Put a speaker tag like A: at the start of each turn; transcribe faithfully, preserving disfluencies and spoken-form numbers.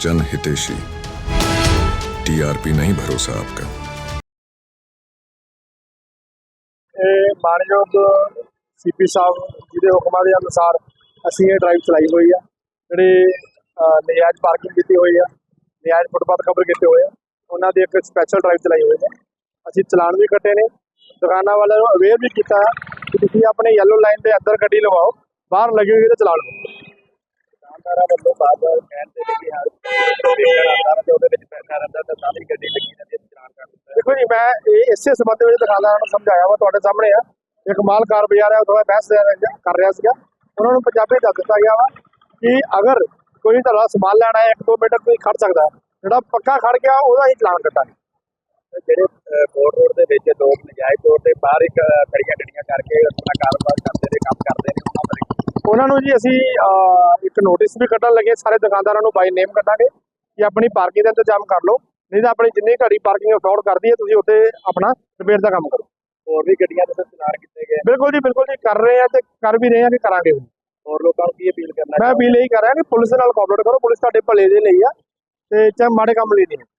A: जन हितेशी। टीआरपी नहीं भरोसा आपका।
B: मानयोग सीपी साहब जी के हुक्मां के अनुसार असीं ये ड्राइव चलाई हुई है। जिहड़ी नजायज़ पार्किंग की हुई है, नजायज़ फुटपाथ कवर किए हुए हैं, उन्होंने एक स्पैशल ड्राइव चलाई हुई है। असीं चलान भी कट्टे ने, दुकाना वालों को अवेयर भी किया है कि तुसीं अपने येलो लाइन के अंदर गड्डी लवाओ, बाहर लगी हुई तो चलान लो। दुकानदारां वल्लों बार बार कहते हैं कि हर पैसा रहा तो सारी गड्डी लगी रहती है, चलान कर दिता। देखो जी, मैं इस संबंध में दुकानदारां नूं समझाया वा, तुहाडे सामने है। एक माल कार बाजार है, थोड़ा बहस कर रहा सीगा, उन्होंने पंजाबी दस दिता गया वा कि अगर कोई तुहाडा समान लैना है, एक दो मीटर कोई खड़ सकता है, जिहड़ा पक्का खड़ गया ਉਹਦਾ ਹੀ ਚਲਾਨ ਕੱਟਾਂਗੇ। ਜਿਹੜੇ ਕੋਟ ਰੋਡ ਦੇ ਵਿੱਚ ਲੋਕ ਨਜਾਇਜ਼ ਤੌਰ ਤੇ ਬਾਹਰ ਇੱਕ ਖੜੀਆਂ ਗੱਡੀਆਂ ਕਰਕੇ ਆਪਣਾ ਕਾਰੋਬਾਰ ਕਰਦੇ ਨੇ, ਕੰਮ ਕਰਦੇ ਨੇ, ਉਹਨਾਂ ਉਹਨਾਂ ਨੂੰ ਜੀ ਅਸੀਂ ਇੱਕ ਨੋਟਿਸ ਵੀ ਕੱਢਣ ਲੱਗੇ। ਸਾਰੇ ਦੁਕਾਨਦਾਰਾਂ ਨੂੰ ਬਾਈ ਨੇਮ ਕੱਢਾਂਗੇ ਕਿ ਆਪਣੀ ਪਾਰਕਿੰਗ ਦਾ ਇੰਤਜ਼ਾਮ ਕਰ ਲਓ, ਨਹੀਂ ਤਾਂ ਆਪਣੀ ਜਿੰਨੀ ਘੜੀ ਪਾਰਕਿੰਗ ਅਫੋਰਡ ਕਰਦੀ ਹੈ ਤੁਸੀਂ ਉੱਥੇ ਆਪਣਾ ਰਿਪੇਅਰ ਦਾ ਕੰਮ ਕਰੋ। ਹੋਰ ਵੀ ਗੱਡੀਆਂ ਦੇ ਚਲਾਨ ਕੀਤੇ ਗਏ। ਬਿਲਕੁਲ ਜੀ, ਬਿਲकुल जी, कर रहे हैं ਤੇ ਕਰ ਵੀ ਰਹੇ ਹਾਂ ਕਿ ਕਰਾਂਗੇ ਵੀ। ਹੋਰ ਲੋਕਾਂ ਨੂੰ ਕੀ ਅਪੀਲ ਕਰਨਾ? ਮੈਂ ਅਪੀਲ ਇਹੀ ਕਰ ਰਿਹਾ ਕਿ ਪੁਲਿਸ ਨਾਲ ਕੋਆਪਰੇਟ ਕਰੋ। ਪੁਲਿਸ ਤੁਹਾਡੇ ਭਲੇ ਦੇ ਲਈ ਆ ਤੇ ਚਾਹੇ ਮਾੜੇ ਕੰਮ ਲਈ ਨਹੀਂ।